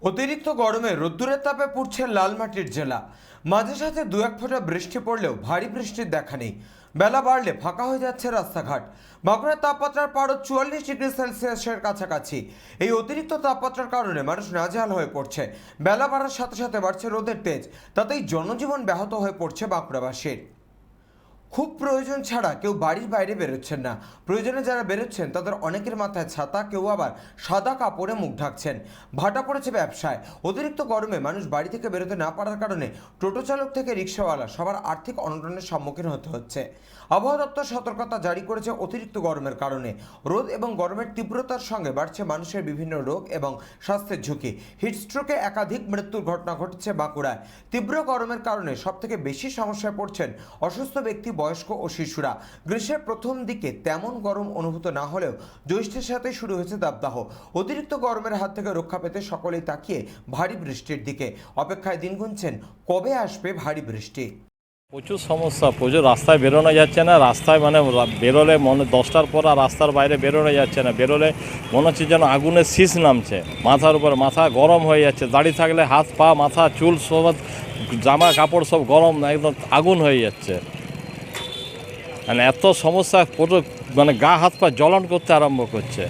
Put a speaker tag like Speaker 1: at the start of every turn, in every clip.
Speaker 1: অতিরিক্ত গরমে রোদ্দুরের তাপে পুড়ছে লালমাটির জেলা। মাঝে সাথে দু এক ফোঁটা বৃষ্টি পড়লেও ভারী বৃষ্টির দেখা নেই। বেলা বাড়লে ফাঁকা হয়ে যাচ্ছে রাস্তাঘাট। বাঁকুড়ার তাপমাত্রার পারদ 44 ডিগ্রি সেলসিয়াসের কাছাকাছি। এই অতিরিক্ত তাপমাত্রার কারণে মানুষ নাজেহাল হয়ে পড়ছে। বেলা বাড়ার সাথে সাথে বাড়ছে রোদের তেজ, তাতেই জনজীবন ব্যাহত হয়ে পড়ছে বাঁকুড়াবাসীর। খুব প্রয়োজন ছাড়া কেউ বাড়ির বাইরে বেরোচ্ছেন না। প্রয়োজনে যারা বেরোচ্ছেন তাদের অনেকের মাথায় ছাতা, কেউ আবার সাদা কাপড়ে মুখ ঢাকছেন। ভাটা পড়েছে ব্যবসায়। অতিরিক্ত গরমে মানুষ বাড়ি থেকে বেরোতে না পারার কারণে টোটো চালক থেকে রিক্সাওয়ালা সবার আর্থিক অনটনের সম্মুখীন হতে হচ্ছে। আবহাওয়া দপ্তর সতর্কতা জারি করেছে অতিরিক্ত গরমের কারণে। রোদ এবং গরমের তীব্রতার সঙ্গে বাড়ছে মানুষের বিভিন্ন রোগ এবং স্বাস্থ্যের ঝুঁকি। হিটস্ট্রোকে একাধিক মৃত্যুর ঘটনা ঘটেছে বাঁকুড়ায়। তীব্র গরমের কারণে সবথেকে বেশি সমস্যায় পড়ছেন অসুস্থ ব্যক্তি, বয়স্ক ও শিশুরা। গ্রীষ্মের প্রথম দিকে তেমন গরম অনুভূত না হলেও জ্যৈষ্ঠের সাথে শুরু হয়েছে দাবদাহ। অতিরিক্ত গরমের হাত থেকে রক্ষা পেতে সকলেই তাকিয়ে ভারী বৃষ্টির দিকে। অপেক্ষায় দিন গুনছেন কবে আসবে ভারী বৃষ্টি।
Speaker 2: প্রচুর সমস্যা, প্রচুর রাস্তায় বেরোনো যাচ্ছে না। রাস্তায় বেরোলে মনে 10টার পর আর রাস্তার বাইরে বেরোনো যাচ্ছে না। বেরোলে মনে হচ্ছে যেন আগুনের শীষ নামছে মাথার উপর। মাথা গরম হয়ে যাচ্ছে, দাঁড়িয়ে থাকলে হাত পা মাথা চুল সব জামা কাপড় সব গরম, একদম আগুন হয়ে যাচ্ছে। মানে এত সমস্যা, পুরো গা হাত পা জ্বলন করতে আরম্ভ করছে।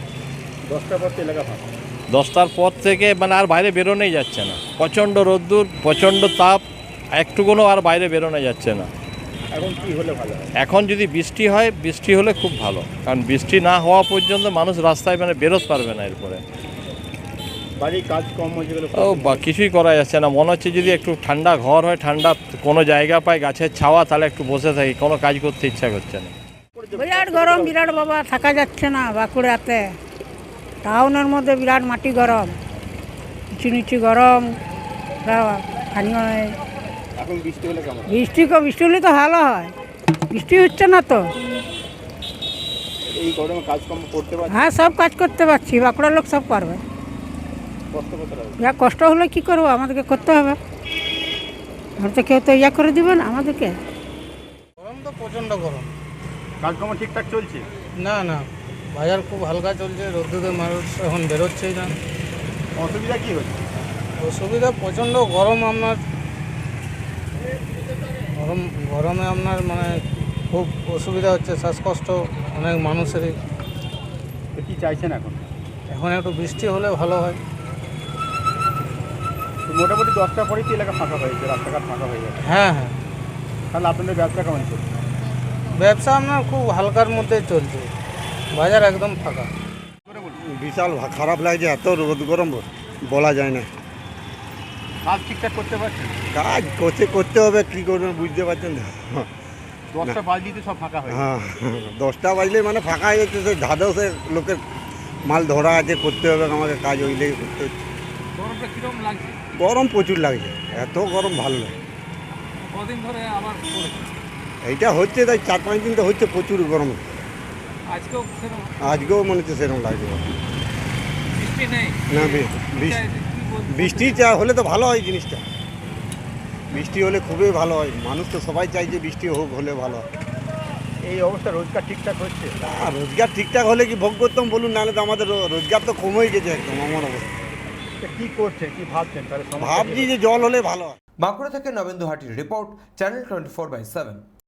Speaker 2: 10টার পর থেকে আর বাইরে বেরোনোই যাচ্ছে না। প্রচণ্ড রোদ্দুর, প্রচণ্ড তাপ, একটুকুনও আর বাইরে বেরোনো যাচ্ছে না।
Speaker 3: এখন কি হলে ভালো হয়?
Speaker 2: এখন যদি বৃষ্টি হয়, বৃষ্টি হলে খুব ভালো। কারণ বৃষ্টি না হওয়া পর্যন্ত মানুষ রাস্তায় বেরোতে পারবে না এরপরে।
Speaker 3: বাড়ির কাজ কম হয়ে গেলে
Speaker 2: কিছুই করা যাচ্ছে না। মনে হচ্ছে যদি একটু ঠান্ডা ঘর হয়, ঠান্ডা কোনো জায়গা পায় গাছের ছাওয়া, তাহলে একটু বসে থাকি, কোনো কাজ করতে ইচ্ছা করছে না।
Speaker 4: বিরাট গরম, বিরাট বাবা, থাকা যাচ্ছে না বাঁকুড়াতে। টাউনের মধ্যে বিরাট মাটি গরম, নিচু নিচু গরম।
Speaker 3: এখন বৃষ্টি হলে কেমন?
Speaker 4: বৃষ্টি হলে তো ভালো হয়, বৃষ্টি হচ্ছে না তো।
Speaker 3: এই গরমে কাজকর্ম করতে পারছি?
Speaker 4: হ্যাঁ, সব কাজ করতে পারছি, বাঁকুড়ার লোক সব পারবে।
Speaker 3: কষ্ট করতে হবে?
Speaker 4: যা কষ্ট হলে কি করবো, আমাদেরকে করতে হবে। আমরা তো কেউ তো করে দিবে না আমাদেরকে।
Speaker 5: গরম তো প্রচণ্ড গরম।
Speaker 3: কাজকর্ম ঠিকঠাক চলছে?
Speaker 5: না না, বাজার খুব হালকা চলছে। রোদ্দুরে মানুষ এখন বেরোচ্ছেই না।
Speaker 3: অসুবিধা কি হচ্ছে?
Speaker 5: অসুবিধা প্রচণ্ড গরম। গরমে খুব অসুবিধা হচ্ছে, শ্বাসকষ্ট অনেক মানুষেরই।
Speaker 3: তো কি চাইছেন এখন?
Speaker 5: এখন একটু বৃষ্টি হলে ভালো হয়।
Speaker 3: তো মোটামুটি 10টার পরেই তো এলাকা ফাঁকা হয়েছে, রাস্তাঘাট ফাঁকা হয়ে যাবে।
Speaker 5: হ্যাঁ হ্যাঁ,
Speaker 3: তাহলে আপনাদের ব্যবসা কেমন চলছে?
Speaker 5: ব্যবসা খুব হালকার মধ্যেই চলছে, বাজার একদম ফাঁকা।
Speaker 6: বিশাল খারাপ লাগছে, এত রোদ গরম বলা যায় না।
Speaker 3: কাজ ঠিকঠাক করতে পারছেন?
Speaker 6: কাজ করতে হবে, কী করবেন বুঝতে পারছেন তো।
Speaker 3: 10টা বাজলেই তো সব ফাঁকা হয়ে
Speaker 6: হ্যাঁ, 10টা বাজলে ফাঁকা হয়ে যাচ্ছে। সে ধাদেও লোকের মাল ধরা আছে, করতে হবে আমাকে, কাজ ওইলেই করতে হচ্ছে।
Speaker 3: গরমটা কীরকম লাগছে?
Speaker 6: গরম প্রচুর লাগছে, এত গরম ভালো লাগে।
Speaker 3: কদিন ধরে আবার
Speaker 6: এইটা হচ্ছে, তাই 4-5 দিন তো হচ্ছে প্রচুর গরম। আজকেও মনে হচ্ছে সেরকম লাগছে।
Speaker 3: বৃষ্টি নেই
Speaker 6: না, বৃষ্টি হলে তো ভালো হয় জিনিসটা। বৃষ্টি হলে খুবই ভালো হয়, মানুষ তো সবাই চাই যে বৃষ্টি হোক, হলে ভালো হয়।
Speaker 3: এই অবস্থা রোজগার ঠিকঠাক হচ্ছে?
Speaker 6: রোজগার ঠিকঠাক হলে কি ভোগ করতাম বলুন, নাহলে তো আমাদের রোজগার তো কমেই গেছে একদম আমার অবস্থা।
Speaker 3: কি করছে, কি ভাবছেন তাহলে?
Speaker 6: ভাবছি যে জল হলে ভালো হয়।
Speaker 1: বাঁকুড়া থেকে নবেন্দু হাটির রিপোর্ট, চ্যানেল 24/7।